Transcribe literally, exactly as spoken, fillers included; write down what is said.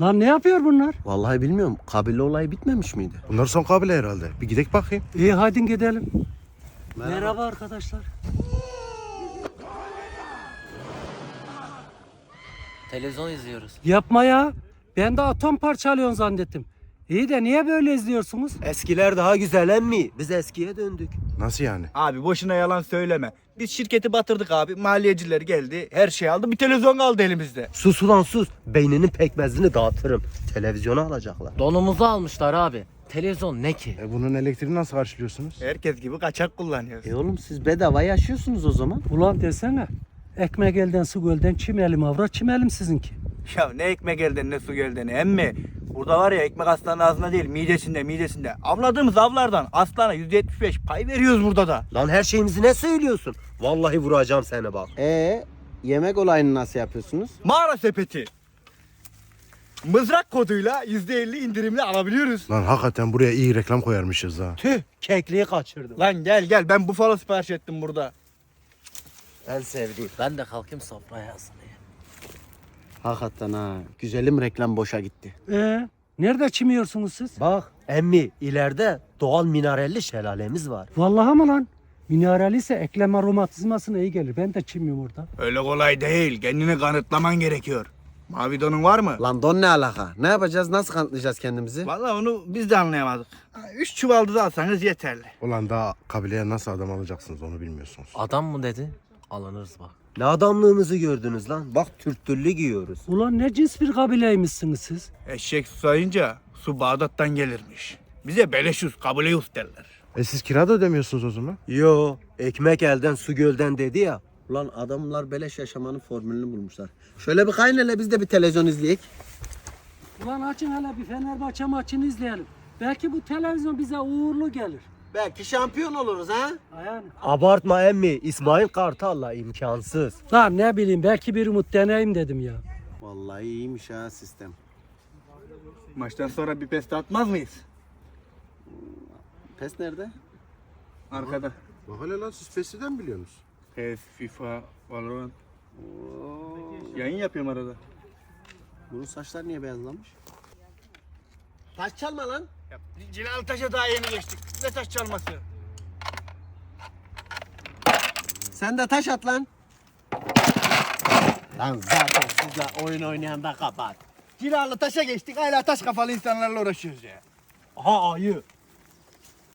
Lan ne yapıyor bunlar? Vallahi bilmiyorum. Kabile olayı bitmemiş miydi? Bunlar son kabile herhalde. Bir gidelim bakayım. İyi hadi gidelim. Merhaba. Merhaba arkadaşlar. Televizyon izliyoruz. Yapma ya. Ben de atom parçalıyorsun zannettim. İyi de niye böyle izliyorsunuz? Eskiler daha güzel emmi. Biz eskiye döndük. Nasıl yani? Abi boşuna yalan söyleme. Biz şirketi batırdık abi. Maliyeciler geldi. Her şey aldı. Bir televizyon kaldı elimizde. Sus ulan sus. Beyninin pekmezini dağıtırım. Televizyonu alacaklar. Donumuzu almışlar abi. Televizyon ne ki? E bunun elektriğini nasıl karşılıyorsunuz? Herkes gibi kaçak kullanıyoruz. E oğlum siz bedava yaşıyorsunuz o zaman. Ulan desene. Ekmek elden su gölden çimelim avra çimelim sizinki. Ya ne ekmek elden ne su gölden emmi. Burada var ya ekmek aslanın ağzında değil midesinde midesinde. Avladığımız avlardan aslana yüzde yetmiş beş pay veriyoruz burada da. Lan her şeyimizi ne söylüyorsun? Vallahi vuracağım seni bak. Ee, yemek olayını nasıl yapıyorsunuz? Mağara sepeti. Mızrak koduyla yüzde elli indirimli alabiliyoruz. Lan hakikaten buraya iyi reklam koyarmışız ha. Tüh, kekliği kaçırdım. Lan gel gel ben bufalo sipariş ettim burada. En sevdiğim. Ben de kalkayım sofraya ısınayım. Hakikaten ha. Güzelim reklam boşa gitti. Ee, nerede çimiyorsunuz siz? Bak emmi ileride doğal mineralli şelalemiz var. Vallahi mı lan? Mineral ise eklem romatizmasına iyi gelir. Ben de çimiyorum orada. Öyle kolay değil. Kendini kanıtlaman gerekiyor. Mavi donun var mı? Lan don ne alaka? Ne yapacağız? Nasıl kanıtlayacağız kendimizi? Vallahi onu biz de anlayamadık. Ha, Üç çuval da alsanız yeterli. Ulan daha kabileye nasıl adam alacaksınız onu bilmiyorsunuz. Adam mı dedi? Alınırız bak. Ne adamlığımızı gördünüz lan. Bak Türktüllü giyiyoruz. Ulan ne cins bir kabileymişsiniz siz? Eşek susayınca su Bağdat'tan gelirmiş. Bize beleşüz, kabuleyüz derler. E siz kira da ödemiyorsunuz o zaman. Yo, ekmek elden su gölden dedi ya. Ulan adamlar beleş yaşamanın formülünü bulmuşlar. Şöyle bir kayın hele biz de bir televizyon izleyek. Ulan açın hele bir Fenerbahçe maçını izleyelim. Belki bu televizyon bize uğurlu gelir. Belki şampiyon oluruz ha. Yani. Abartma emmi. İsmail Kartal'la imkansız. Lan ne bileyim belki bir umut deneyim dedim ya. Vallahi iyiymiş ha sistem. Maçtan sonra bir peste atmaz mıyız? Pes nerede? Arkada. Bak hele lan siz PES'den biliyorsunuz. Pes, FIFA, Valorant. Yayın yapıyorum arada. Bunun saçlar niye beyazlamış? Taş çalma lan. Ya, Cilalı Taş'a daha yeni geçtik. Ne taş çalması? Sen de taş at lan. Lan zaten sizle oyun oynayan da kapat. Cilalı Taş'a geçtik. Hala taş kafalı insanlarla uğraşıyoruz ya. Aha ayı.